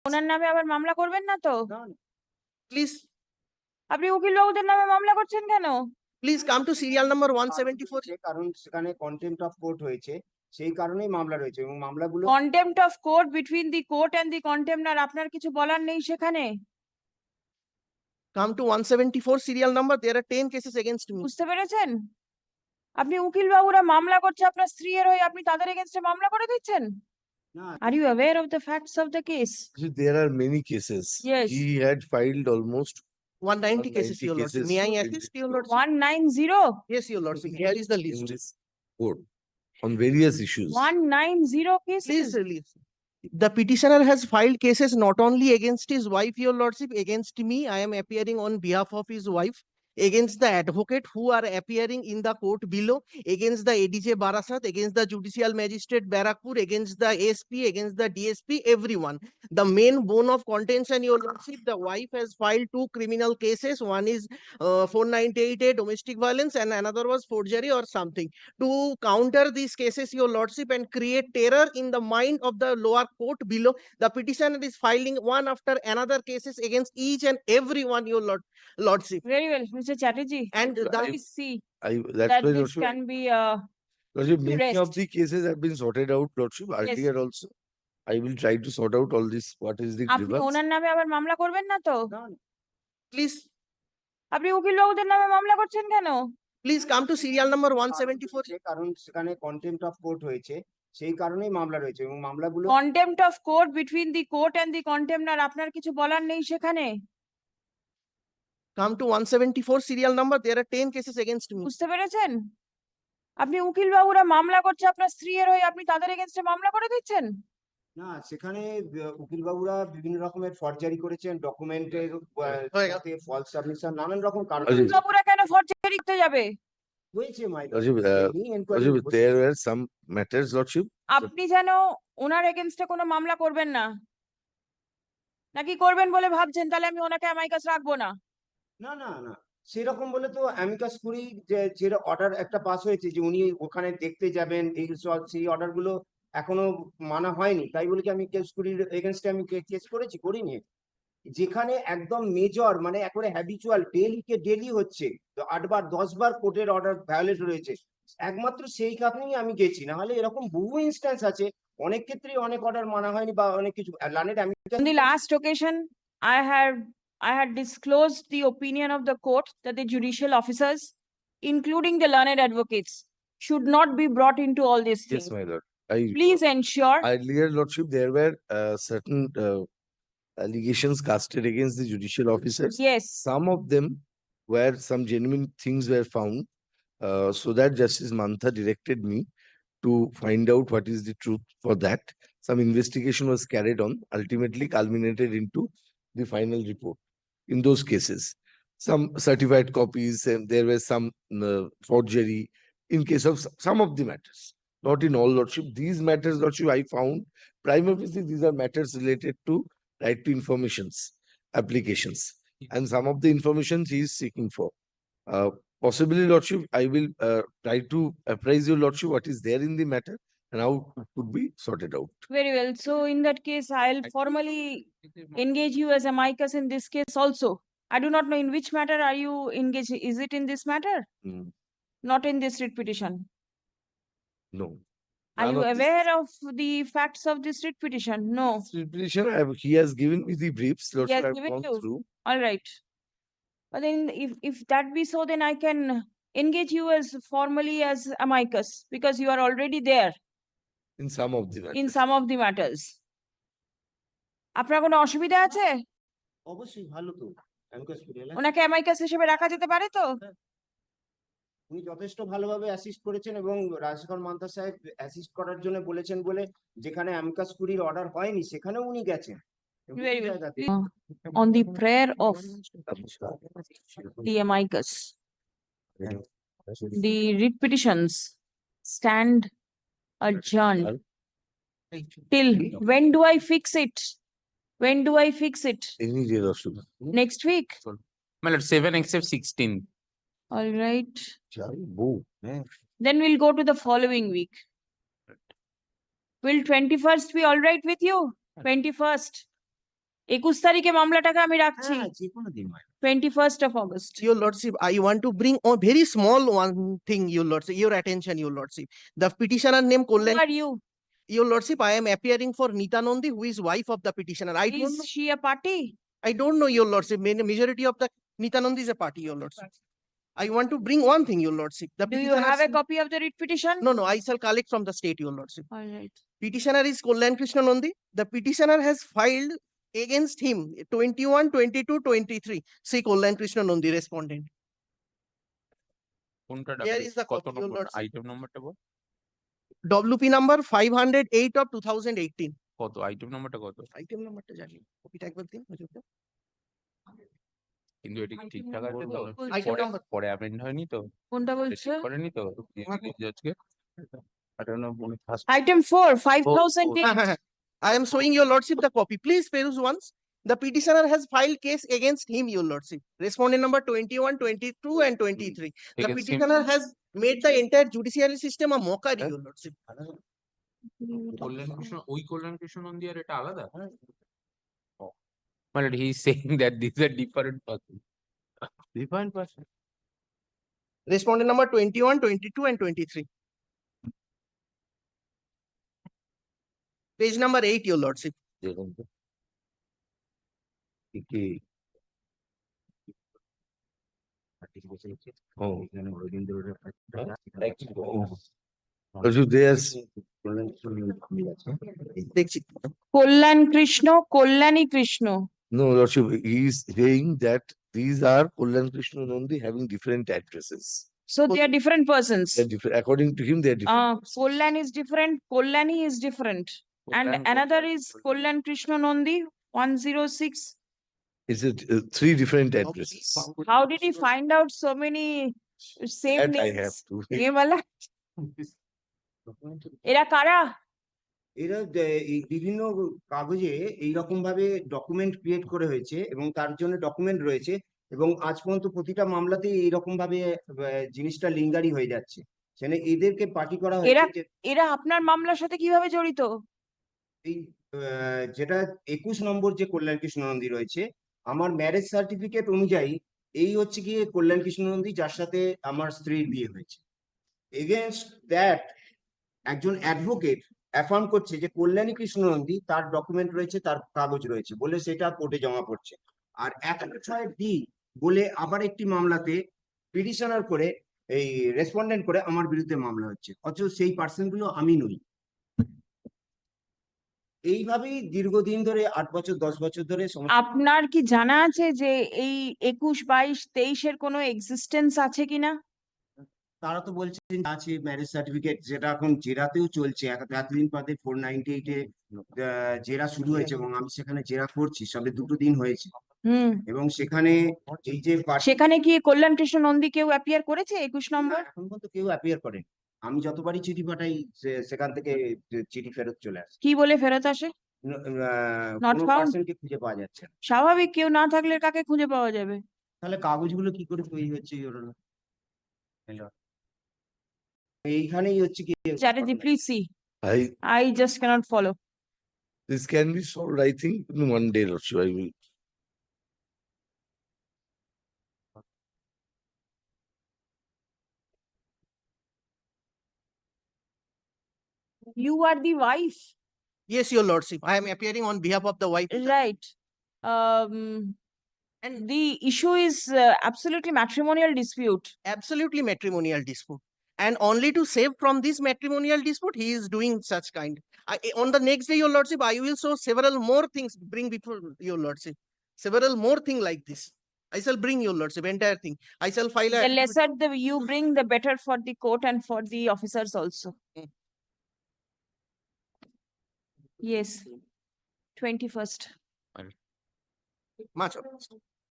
ওনার নামে আবার মামলা করবেন না তো? Please, আপনি উকিল বাবুদের নামে মামলা করছেন কেন? please come to serial number 174. কারণ সেখানে কন্টেম্প্ট অফ কোর্ট হয়েছে, সেই কারণেই মামলা রয়েছে এবং মামলাগুলো contempt of court between the court and the contemnor আপনার কিছু বলার নেই সেখানে? Come to 174 serial number. There are 10 cases against me. বুঝতে পেরেছেন? আপনি উকিল বাবুরা মামলা করছে আপনার স্ত্রীর হয়ে, আপনি তাদের এগেইনস্টে মামলা করে দিচ্ছেন? না Are you aware of the facts of the case? See, there are many cases. Yes. He had filed almost 190 cases, 190 your lordship. cases May I in assist, this your court. lordship? 190? Yes, your lordship. Here is the in list. this court on various issues. 190 Please cases? release. The petitioner has filed cases not only against his wife, your lordship, against me. I am appearing on behalf of his wife, against the advocate who are appearing in the court below, against the ADJ Barasat, against the judicial magistrate Barakpur, against the SP, against the DSP, everyone. The main bone of contention, your lordship, the wife has filed 2 criminal cases. One is 498A domestic violence and another was forgery or something. To counter these cases, your lordship, and create terror in the mind of the lower court below, the petitioner is filing one after another cases against each and every one, your lordship. Very well, Mr. Chatterjee. And the Please see That's that why, this Lordship, can be Lordship, many of rest. the cases have been sorted out, Lordship, earlier also. I will try to sort out all this, what is the আপনি grievance. ওনার নামে আবার মামলা করবেন না তো? please, আপনি উকিল বাবুদের নামে মামলা করছেন কেন? please come to serial number 174. কারণ সেখানে কন্টেম্প্ট অফ কোর্ট হয়েছে, সেই কারণেই মামলা রয়েছে এবং মামলাগুলো contempt of court between the court and the contemnor আপনার কিছু বলার নেই সেখানে? Come to 174 serial number. There are 10 cases against me. বুঝতে পেরেছেন? আপনি উকিল বাবুরা মামলা করছে আপনার স্ত্রীর হয়ে, আপনি তাদের এগেইনস্টে মামলা করে দিচ্ছেন? না সেখানে উকিল বাবুরা বিভিন্ন রকমের ফরজারি করেছেন, ডকুমেন্টের সাথে ফলস সাবমিশন, নানান রকম কারণ আচ্ছা, উকিল বাবুরা কেন ফরজারি করতে যাবে? হয়েছে মাই Lordship, Lordship, there were some matters, Lordship. আপনি যেন ওনার এগেইনস্টে কোনো মামলা করবেন না, নাকি করবেন বলে ভাবছেন? তাহলে আমি ওনাকে অ্যামাইকাস রাখবো না। না না না সেরকম বলে তো অ্যামিকাস কুরি যে অর্ডার একটা পাস হয়েছে যে উনি ওখানে দেখতে যাবেন, এই সব সেই অর্ডার গুলো এখনো মানা হয়নি, তাই বলে কি আমি কেস কুরির এগেনস্টে আমি কেস করিনি। যেখানে একদম মেজর মানে একেবারে হ্যাবিচুয়াল ডেলি হচ্ছে, 8 বার 10 বার কোর্টের অর্ডার ভায়োলেট রয়েছে, একমাত্র সেই কারণেই আমি গেছি, না হলে এরকম বহু ইনস্ট্যান্স আছে অনেক ক্ষেত্রেই অনেক অর্ডার মানা হয়নি বা অনেক কিছু লানেট আমি On the last occasion, I had disclosed the opinion of the court that the judicial officers, including the learned advocates, should not be brought into all these things. Yes, my lord. Please ensure. Earlier, Lordship, there were certain allegations casted against the judicial officers. Yes. Some of them where some genuine things were found, so that Justice Mantha directed me to find out what is the truth for that. Some investigation was carried on, ultimately culminated into the final report. In those cases, some certified copies, and there were some forgery in case of some of the matters. Not in all, Lordship. These matters, Lordship, I found prima facie these are matters related to right to informations applications, and some of the information he is seeking for. Possibly, Lordship, I will try to apprise you, Lordship, what is there in the matter and how it could be sorted out. Very well. So in that case, I'll formally engage you as amicus in this case also. I do not know in which matter are you engaged. Is it in this matter? Not in this writ petition. No. Are None you of this- aware of the facts of this writ petition? No. This petition, he has given me the briefs, Lordship, has I have given gone you? through. All right. But then if that be so, then I can engage you as formally as amicus because you are already there In some of the matters. in some of the matters. আপনার কোনো অসুবিধা আছে? অবশ্যই ভালো তো amicus curiae ওনাকে অ্যামাইকাস হিসেবে রাখা যেতে পারে তো? উনি যথেষ্ট ভালোভাবে অ্যাসিস্ট করেছেন এবং রাজশেখর মান্তা সাহেব অ্যাসিস্ট করার জন্য বলেছেন বলে যেখানে অ্যামিকাস কুরির অর্ডার হয়নি সেখানেও উনি গেছেন। Very well. On the prayer of the amicus, the writ petitions stand adjourned till when do I fix it? When do I fix it? Any day, Lordship. Next week? My lord, 7 except 16. All right. Boo. Then we'll go to the following week. Will 21st be all right with you? 21st? 21 তারিখে মামলাটাকে আমি রাখছি, হ্যাঁ, যে কোনো দিন হয়। 21st of August. Your Lordship, I want to bring a very small one thing, Your Lordship, your attention, Your Lordship. The petitioner name Who Kollan. are you? Your Lordship, I am appearing for Nita Nandi, who is wife of the petitioner. Is she a party? I don't know, Your Lordship. Majority of the Nita Nandi is a party, Your Lordship. I want to bring one thing, Your Lordship. The Do you petitioner have a said- copy of the writ petition? No, no, I shall collect from the state, Your Lordship. All right. Petitioner is Kollan Krishna Nandi. The petitioner has filed against him 21, 22, 23. See Kollan Krishna Nandi, respondent. কোনটা Here ডাকবে? is the কত copy, Your নম্বর? Lordship. Item নাম্বারটা বল। WP number 508 of 2018. কত item নাম্বারটা কত? Item number টা জানি। কপিটা একবার দিন হুজুরকে। কিন্তু এটা কি ঠিকঠাক আছে তো? Item পরে number। পরে অ্যামেন্ড হয়নি তো? কোনটা এটা বলছে? ঠিক করেনি তো? জজকে? I don't know, মনে ফার্স্ট Item 4, 5008. হ্যাঁ, হ্যাঁ, হ্যাঁ। I am showing your lordship the copy. Please peruse once. The petitioner has filed case against him, your lordship. Respondent number 21, 22 and 23. The Against him? petitioner has made the entire judiciary system a mockery, your lordship. কল্যাণ কৃষ্ণ, ওই কল্যাণ কৃষ্ণ নন্দী আর এটা আলাদা? মানে he is saying that these are different person. Different person. Respondent number 21, 22 and 23. Page number 8, your lordship. দেখুন তো। কি ও Also, there's দেখছি। কল্যাণ Krishna, Kalyani Krishna. no, Lordship, he is saying that these are Kollan Krishna Nandi having different addresses. So they are different persons. They're different. According to him, they're different. Kollan is different, Kollani is different. And Kollan- another is Kollan Krishna Nandi, 106. It's three different addresses. How did he find out so many same That I have names? to. ये वाला এরা কারা? এরা এই বিভিন্ন কাগজে এইরকম ভাবে ডকুমেন্ট ক্রিয়েট করে হয়েছে এবং তার জন্য ডকুমেন্ট রয়েছে এবং আজ পর্যন্ত প্রতিটা মামলাতেই এইরকম ভাবে জিনিসটা লিঙ্গারি হয়ে যাচ্ছে। সেখানে এদেরকে পার্টি করা হয়েছে যে এরা আপনার মামলার সাথে কিভাবে জড়িত? এই যেটা 21 নম্বর যে কল্যাণ কৃষ্ণ নন্দী রয়েছে, আমার ম্যারেজ সার্টিফিকেট অনুযায়ী এই হচ্ছে গিয়ে কল্যাণ কৃষ্ণ নন্দী যার সাথে আমার স্ত্রীর বিয়ে হয়েছে। এগেনস্ট দ্যাট একজন অ্যাডভোকেট অ্যাফার্ম করছে যে কল্যাণী কৃষ্ণ নন্দী তার ডকুমেন্ট রয়েছে, তার কাগজ রয়েছে বলে সেটা কোর্টে জমা পড়ছে। আর 106D বলে আবার একটি মামলাতে পিটিশনার করে এই রেসপন্ডেন্ট করে আমার বিরুদ্ধে মামলা হচ্ছে, অথচ সেই পার্সন গুলো আমি নই। এইভাবেই দীর্ঘদিন ধরে 8 বছর 10 বছর ধরে আপনার কি জানা আছে যে এই 21, 22, 23 এর কোনো এক্সিস্টেন্স আছে কিনা? তারা তো বলছেন আছে ম্যারেজ সার্টিফিকেট, যেটা এখন জেরাতেও চলছে। এতদিন বাদে 498 এ জেরা শুরু হয়েছে এবং আমি সেখানে জেরা করছি, সবে 2 দিন হয়েছে। এবং সেখানে এই যে সেখানে কি কল্যাণ কৃষ্ণ নন্দী কেউ অ্যাপিয়ার করেছে 21 নম্বর? এখন পর্যন্ত কেউ অ্যাপিয়ার করেন। আমি যতবারই চিঠি পাঠাই সেখান থেকে চিঠি ফেরত চলে আসে। কি বলে ফেরত আসে? Not কোনো found? পার্সনকে খুঁজে পাওয়া যাচ্ছে না। স্বাভাবিক, কেউ না থাকলে কাকে খুঁজে পাওয়া যাবে? তাহলে কাগজগুলো কি করে তৈরি হচ্ছে এইখানেই হচ্ছে কি Chatterjee, please see. I I just cannot follow. This can be solved, I think, in one day, Lordship. I will. You are the wife, Yes, your lordship. I am appearing on behalf of the wife. right? And the issue is absolutely matrimonial dispute. Absolutely matrimonial dispute. And only to save from this matrimonial dispute, he is doing such kind. On the next day, your lordship, I will show several more things, bring before your lordship. Several more things like this. I shall bring your lordship, entire thing. I shall file The a. lesser you bring, the better for the court and for the officers also. Yes, 21st. Much obliged.